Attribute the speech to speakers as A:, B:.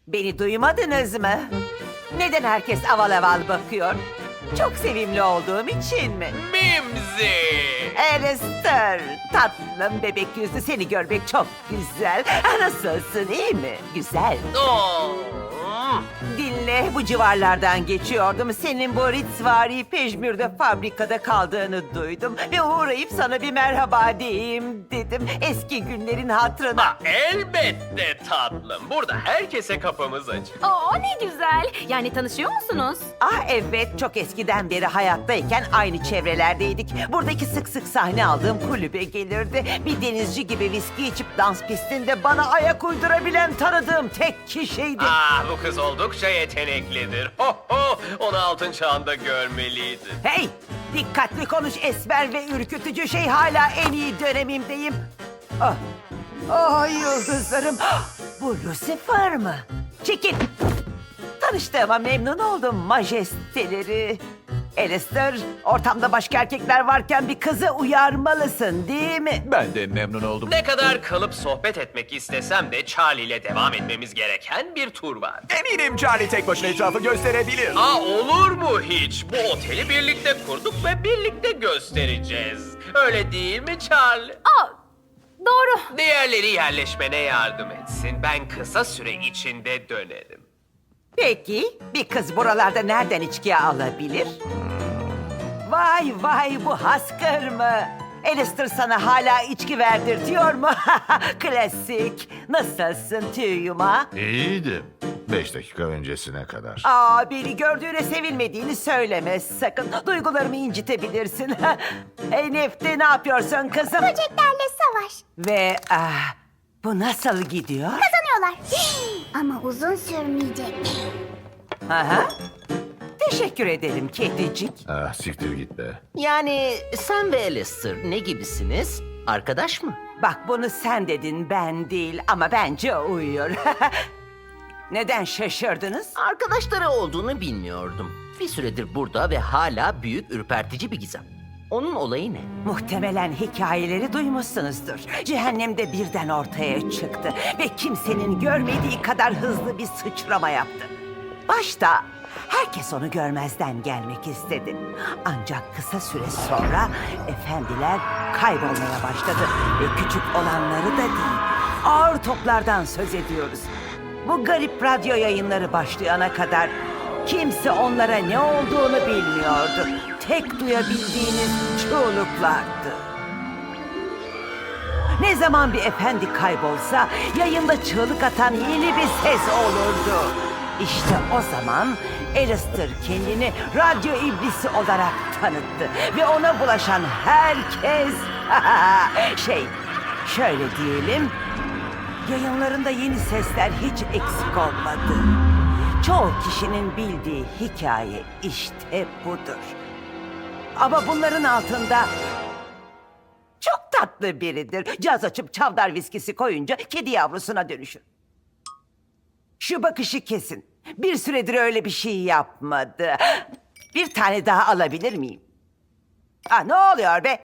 A: Beni duymadınız mı? Neden herkes aval aval bakıyor? Çok sevimli olduğum için mi?
B: Mimzi!
A: Alistair, tatlım bebek yüzlü, seni görmek çok güzel. Nasılsın, iyi mi? Güzel.
B: Oo.
A: Dinle, bu civarlardan geçiyordum. Senin bu Ritzvari Pejmür'de fabrikada kaldığını duydum. Ve uğrayıp sana bir merhaba diyeyim dedim. Eski günlerin hatırına.
B: Ha, elbette tatlım. Burada herkese kapımız açık.
C: Oo ne güzel. Yani tanışıyor musunuz?
A: Ah evet, çok eskiden beri hayattayken aynı çevrelerdeydik. Buradaki sık sık sahne aldığım kulübe gelirdi. Bir denizci gibi viski içip dans pistinde bana ayak uydurabilen tanıdığım tek kişiydi.
B: Ah, bu kız oldukça yeteneklidir. Ho ho, onu altın çağında görmeliydin.
A: Hey! Dikkatli konuş esmer ve ürkütücü şey, hala en iyi dönemimdeyim. Ah! Oh yıldızlarım! Ah, bu Lucifer mı? Çekil! Tanıştığıma memnun oldum majesteleri. Alistair, ortamda başka erkekler varken bir kızı uyarmalısın değil mi?
D: Ben de memnun oldum.
B: Ne kadar kalıp sohbet etmek istesem de Charlie ile devam etmemiz gereken bir tur var.
D: Eminim Charlie tek başına etrafı gösterebilir.
B: Aa, olur mu hiç? Bu oteli birlikte kurduk ve birlikte göstereceğiz. Öyle değil mi Charlie?
C: Aa doğru.
B: Diğerleri yerleşmene yardım etsin. Ben kısa süre içinde dönerim.
A: Peki, bir kız buralarda nereden içki alabilir? Vay vay, bu Haskır mı? Alistair sana hala içki verdirtiyor mu? Klasik. Nasılsın tüy yumağı?
E: İyiydim. 5 dakika öncesine kadar.
A: Aa, beni gördüğüne sevinmediğini söyleme sakın. Duygularımı incitebilirsin. Hey Nefti, ne yapıyorsun kızım?
F: Böceklerle savaş.
A: Ve bu nasıl gidiyor?
F: Kazanıyorlar. Ama uzun sürmeyecek.
A: Aha. Teşekkür ederim kedicik.
E: Ah, siktir git be.
G: Yani sen ve Alistair ne gibisiniz? Arkadaş mı?
A: Bak, bunu sen dedin, ben değil, ama bence uyuyor. Neden şaşırdınız?
G: Arkadaşları olduğunu bilmiyordum. Bir süredir burada ve hala büyük ürpertici bir gizem. Onun olayı ne?
A: Muhtemelen hikayeleri duymuşsunuzdur. Cehennemde birden ortaya çıktı ve kimsenin görmediği kadar hızlı bir sıçrama yaptı. Başta herkes onu görmezden gelmek istedi. Ancak kısa süre sonra efendiler kaybolmaya başladı ve küçük olanları da değil, ağır toplardan söz ediyoruz. Bu garip radyo yayınları başlayana kadar kimse onlara ne olduğunu bilmiyordu. Tek duyabildiğiniz çığlıklardı. Ne zaman bir efendi kaybolsa yayında çığlık atan yeni bir ses olurdu. İşte o zaman Alistair kendini radyo iblisi olarak tanıttı ve ona bulaşan herkes şöyle diyelim, yayınlarında yeni sesler hiç eksik olmadı. Çoğu kişinin bildiği hikaye işte budur. Ama bunların altında çok tatlı biridir. Caz açıp çavdar viskisi koyunca kedi yavrusuna dönüşür. Şu bakışı kesin. Bir süredir öyle bir şey yapmadı. Bir tane daha alabilir miyim? Ne oluyor be?